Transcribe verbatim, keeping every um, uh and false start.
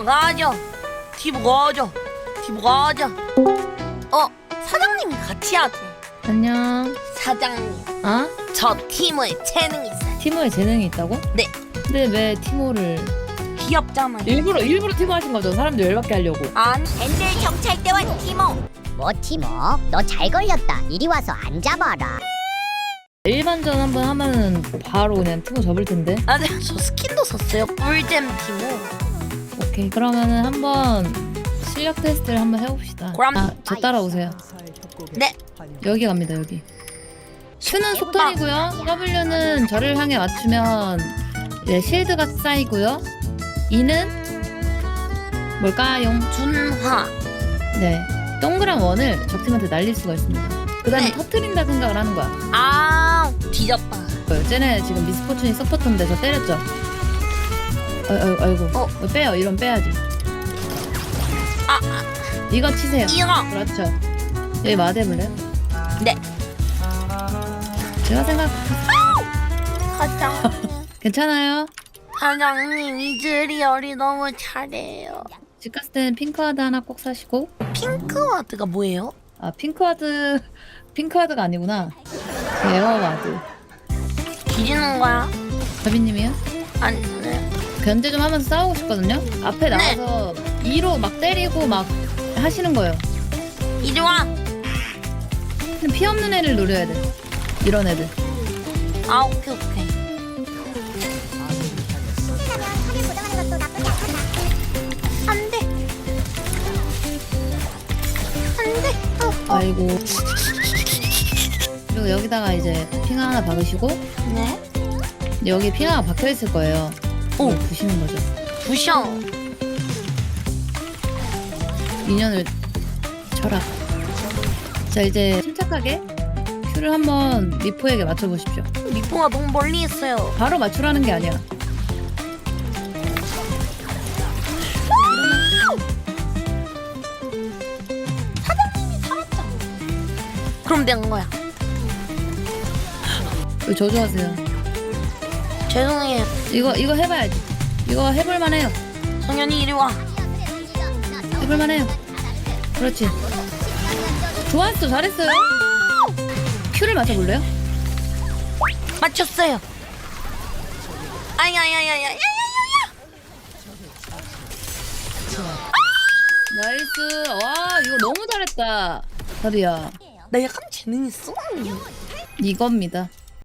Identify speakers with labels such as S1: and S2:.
S1: 가자. 티모 가자. 티모 가자. 어, 사장님이 같이 하지.
S2: 안녕.
S1: 사장님,
S2: 아?
S1: 저 티모에 재능이 있어요.
S2: 티모에 재능이 있다고?
S1: 네.
S2: 근데 왜 티모를
S1: 귀엽잖아요.
S2: 일부러 일부러 티모 하신 거죠? 사람들 열받게 하려고.
S1: 아니,
S3: 밴들 경찰대원 티모. 뭐 티모? 너 잘 걸렸다. 이리 와서 앉아봐라.
S2: 일반전 한번 하면은 바로 그냥 티모 접을 텐데.
S1: 아, 네, 저 스킨도 샀어요. 꿀잼 티모.
S2: 오케이, 그러면은 한번 실력 테스트를 한번 해봅시다.
S1: 그럼-
S2: 아, 저 따라오세요.
S1: 네.
S2: 여기 갑니다. 여기. Q는 속턴이고요. W는 저를 향해 맞추면 이제 실드가 쌓이고요. E는 뭘까요?
S1: 준화.
S2: 네, 동그란 원을 적팀한테 날릴 수가 있습니다. 그 다음에
S1: 네.
S2: 터트린다 생각을 하는 거야.
S1: 아, 뒤졌다.
S2: 어, 쟤네 지금 미스포춘이 서포터인데 저 때렸죠? 어, 어, 아이고.
S1: 어.
S2: 어, 빼요. 이런 빼야지.
S1: 아, 아,
S2: 이거 치세요.
S1: 이거.
S2: 그렇죠. 여기 마대볼래요?
S1: 네.
S2: 제가 생각
S1: 사장님.
S2: 괜찮아요.
S1: 사장님, 이즈리얼이 너무 잘해요.
S2: 집 갔을 때는 핑크와드 하나 꼭 사시고.
S1: 핑크와드가 뭐예요?
S2: 아, 핑크와드 핑크와드가 아니구나. 에어와드.
S1: 뒤지는 거야?
S2: 가비님이요?
S1: 아니, 네.
S2: 견제 좀 하면서 싸우고 싶거든요. 앞에
S1: 네.
S2: 나와서 이로 막 때리고 막 하시는 거예요.
S1: 이리 와.
S2: 그냥 피 없는 애를 노려야 돼. 이런 애들.
S1: 아, 오케이, 오케이. 안 돼. 안 돼. 어, 어.
S2: 아이고. 그리고 여기다가 이제 핑 하나 박으시고
S1: 네.
S2: 여기 핑 하나 박혀 있을 거예요.
S1: 오.
S2: 이걸 부시는 거죠.
S1: 부셔.
S2: 인연을 쳐라. 자, 이제 침착하게 큐를 한번 미포에게 맞춰보십시오.
S1: 미포가 너무 멀리 있어요.
S2: 바로 맞추라는 게 아니야.
S1: 그럼 된 거야.
S2: 왜 저주하세요?
S1: 죄송해요.
S2: 이거 이거 해봐야지. 이거 해볼만 해요.
S1: 성현이 이리 와.
S2: 해볼만 해요. 그렇지. 좋았어. 잘했어요. 큐를 맞춰볼래요?
S1: 맞췄어요. 아야야야야야야야야.
S2: 나이스. 와, 이거 너무 잘했다. 다리야.
S1: 나 약간 재능 있어.
S2: 이겁니다.